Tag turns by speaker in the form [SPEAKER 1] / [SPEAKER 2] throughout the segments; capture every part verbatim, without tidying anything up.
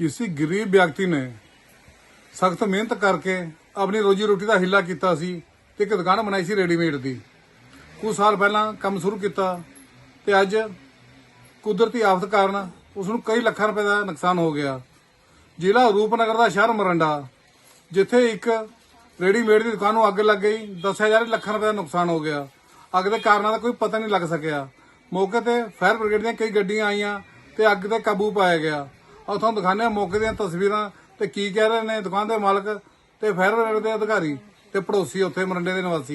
[SPEAKER 1] किसी गरीब व्यक्ति ने सख्त मेहनत करके अपनी रोजी रोटी का हिला किया सी ते एक दुकान बनाई सी रेडीमेड की। कुछ साल पहला काम शुरू किया ते अज कुदरती आफत कारण उसनूं कई लाखां रुपए का नुकसान हो गया। जिला रूपनगर का शहर मोरिंडा जिथे एक रेडीमेड की दुकान नूं अग लग गई, दस हजार लाखां रुपए का नुकसान हो गया। अग के कारणों का कोई पता नहीं लग सकिया। मौके पर फायर ब्रिगेड दी कई गड्डियां आईयां ते अग ते काबू पाया गया। और तुहानूं दिखाने मौके दी तस्वीरां ते की कह रहे ने दुकान के मालक ते फायर ब्रिगेड के अधिकारी ते पड़ोसी उत्थे मोरिंडे के निवासी।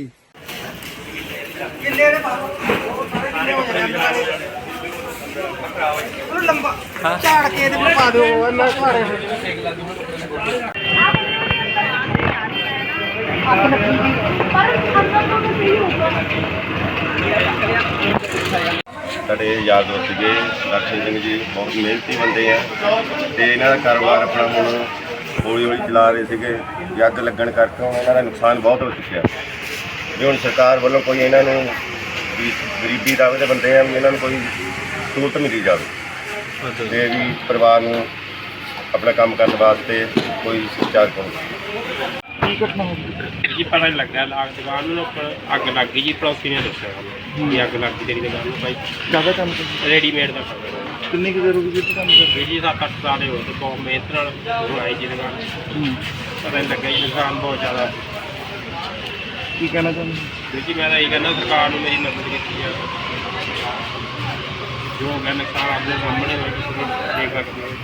[SPEAKER 2] झाड़ के पा दो
[SPEAKER 3] ਸਾਡੇ ਯਾਰ ਦੋਸਤ ਸੀਗੇ ਦਰਸ਼ਨ ਸਿੰਘ ਜੀ, ਬਹੁਤ ਮਿਹਨਤੀ ਬੰਦੇ ਆ ਤੇ ਇਹਨਾਂ ਦਾ ਕਾਰੋਬਾਰ ਆਪਣਾ ਹੁਣ ਹੌਲੀ ਹੌਲੀ ਚਲਾ ਰਹੇ ਸੀਗੇ। ਵੀ ਅੱਗ ਲੱਗਣ ਕਰਕੇ ਹੁਣ ਇਹਨਾਂ ਦਾ ਨੁਕਸਾਨ ਬਹੁਤ ਹੋ ਚੁੱਕਿਆ। ਵੀ ਹੁਣ ਸਰਕਾਰ ਵੱਲੋਂ ਕੋਈ ਇਹਨਾਂ ਨੂੰ ਵੀ ਗਰੀਬੀ ਦਾਵੇ ਦੇ ਬੰਦੇ ਆ ਵੀ ਇਹਨਾਂ ਨੂੰ ਕੋਈ ਸਹੂਲਤ ਮਿਲੀ ਜਾਵੇ ਤੇ ਵੀ ਪਰਿਵਾਰ ਨੂੰ ਆਪਣਾ ਕੰਮ ਕਰਨ ਵਾਸਤੇ ਕੋਈ ਚਾਰ ਕਰੋ।
[SPEAKER 2] ਕੀ ਘਟਨਾ ਹੋ ਗਈ
[SPEAKER 4] ਜੀ ਪਤਾ ਨਹੀਂ ਲੱਗਾ ਲਾਗ ਦੁਕਾਨ ਨੂੰ ਉੱਪਰ ਅੱਗ ਲੱਗ ਗਈ ਜੀ। ਪੜੋਸੀ ਨੇ ਦੱਸਿਆ ਸਾਨੂੰ ਕਿ ਅੱਗ ਲੱਗ ਗਈ ਤੇਰੀ ਦੁਕਾਨ ਨੂੰ। ਭਾਈ
[SPEAKER 2] ਕਾਹਦਾ ਕੰਮ
[SPEAKER 4] ਰੈਡੀਮੇਡ ਦਾ ਕੰਮ ਹੈ।
[SPEAKER 2] ਕਿੰਨੀ ਕੁ ਦੇਰ ਹੋ ਗਈ ਜੀ ਕੰਮ ਕਰਦੇ?
[SPEAKER 4] ਜੀ ਸੱਤ ਅੱਠ ਸਾਲ ਹੋ ਗਏ, ਬਹੁਤ ਮਿਹਨਤ ਨਾਲ ਬਣਾਈ ਜੀ ਦੁਕਾਨ। ਪਤਾ ਨਹੀਂ ਲੱਗਾ ਜੀ, ਨੁਕਸਾਨ ਬਹੁਤ ਜ਼ਿਆਦਾ।
[SPEAKER 2] ਕੀ ਕਹਿਣਾ ਚਾਹੁੰਦੇ
[SPEAKER 4] ਜੀ ਮੈਂ ਤਾਂ ਇਹ ਕਹਿੰਦਾ ਸਰਕਾਰ ਨੂੰ ਮੇਰੀ ਮਦਦ ਕੀਤੀ ਆ। ਜੋ ਹੋ ਗਿਆ ਨੁਕਸਾਨ ਆਪਣੇ ਸਾਹਮਣੇ ਹੋਇਆ, ਤੁਸੀਂ ਦੇਖ ਸਕਦੇ ਹੋ।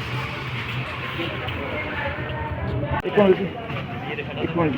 [SPEAKER 2] ਇੱਕ ਮਿੰਟ ਜੀ, ਇੱਕ ਮਿੰਟ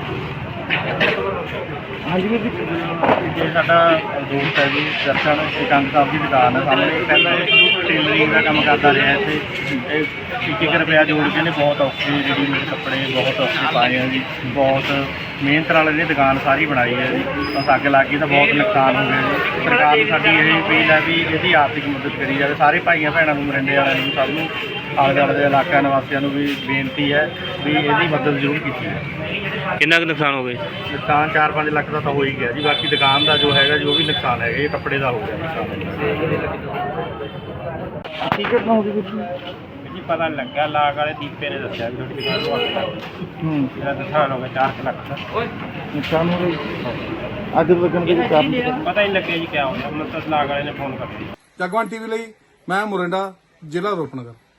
[SPEAKER 2] ਹਾਂਜੀ ਵੀਰ ਜੀ।
[SPEAKER 5] ਇਹ ਸਾਡਾ ਦੋਸਤ ਹੈ ਜੀ ਦਰਸ਼ਨ ਸਿਕੰਦ ਸਾਹਿਬ ਦੀ ਦੁਕਾਨ ਹੈ ਸਾਹਮਣੇ। ਪਹਿਲਾਂ ਇਹ ਟੇਲਰਿੰਗ ਦਾ ਕੰਮ ਕਰਦਾ ਰਿਹਾ ਇੱਥੇ। ਇਹ ਇੱਕ ਇੱਕ ਰੁਪਇਆ ਜੋੜ ਕੇ ਨੇ ਬਹੁਤ ਔਖੇ ਰੈਡੀਮੇਡ ਕੱਪੜੇ ਬਹੁਤ ਔਖੇ ਪਾਏ ਆ ਜੀ। ਬਹੁਤ ਮਿਹਨਤ ਨਾਲ ਇਹਨੇ ਦੁਕਾਨ ਸਾਰੀ ਬਣਾਈ ਹੈ ਜੀ। ਬਸ ਅੱਗ ਲੱਗ ਗਈ ਤਾਂ ਬਹੁਤ ਨੁਕਸਾਨ ਹੋ ਗਿਆ ਜੀ। ਸਰਕਾਰ ਨੂੰ ਸਾਡੀ ਇਹ ਅਪੀਲ ਹੈ ਵੀ ਇਹਦੀ ਆਰਥਿਕ ਮਦਦ ਕਰੀ ਜਾਵੇ। ਸਾਰੇ ਭਾਈਆਂ ਭੈਣਾਂ ਨੂੰ, ਮਰਿੰਡੇ ਵਾਲਿਆਂ ਨੂੰ, ਸਭ ਨੂੰ, ਆਲੇ ਦੁਆਲੇ ਦੇ ਇਲਾਕਾ ਨਿਵਾਸੀਆਂ ਨੂੰ ਵੀ ਬੇਨਤੀ ਹੈ ਵੀ ਇਹਦੀ ਮਦਦ ਜ਼ਰੂਰ ਕੀਤੀ ਜਾਵੇ।
[SPEAKER 4] ਕਿੰਨਾ ਕੁ ਨੁਕਸਾਨ ਹੋ ਗਿਆ?
[SPEAKER 5] ਨੁਕਸਾਨ ਚਾਰ ਪੰਜ ਲੱਖ ਦਾ ਤਾਂ ਹੋ ਹੀ ਗਿਆ ਜੀ। ਬਾਕੀ ਦੁਕਾਨ ਦਾ ਜੋ ਹੈਗਾ ਜੋ ਵੀ ਨੁਕਸਾਨ ਹੈਗਾ ਇਹ ਕੱਪੜੇ ਦਾ ਹੋ ਗਿਆ ਨੁਕਸਾਨ।
[SPEAKER 2] ਕੀ ਘਟਨਾ ਹੋ ਗਈ ਵੀਰ ਜੀ?
[SPEAKER 4] ਜੀ ਪਤਾ ਨਹੀਂ ਲੱਗਾ, ਲਾਗ ਵਾਲੇ ਦੀਪੇ ਨੇ ਦੱਸਿਆ ਵੀ ਤੁਹਾਡੀ ਦੁਕਾਨ ਨੂੰ ਅੱਗ ਲੱਗ ਗਈ।
[SPEAKER 2] ਹੂੰ
[SPEAKER 4] ਇਹਦਾ ਨੁਕਸਾਨ ਹੋ ਗਿਆ ਚਾਰ ਕੁ ਲੱਖ ਦਾ।
[SPEAKER 2] ਨੁਕਸਾਨ ਹੋ ਗਿਆ। ਅੱਗ ਲੱਗਣ ਦੇ ਕਾਰਨ
[SPEAKER 4] ਪਤਾ ਹੀ ਨਹੀਂ ਲੱਗਿਆ ਜੀ ਕਿਆ ਹੋਇਆ। ਮੈਨੂੰ ਤਾਂ ਲਾਗ ਵਾਲੇ ਨੇ ਫੋਨ ਕਰ ਦਿੱਤਾ।
[SPEAKER 1] जगवन टीवी ਲਈ मैं मोरिंडा जिला रूपनगर।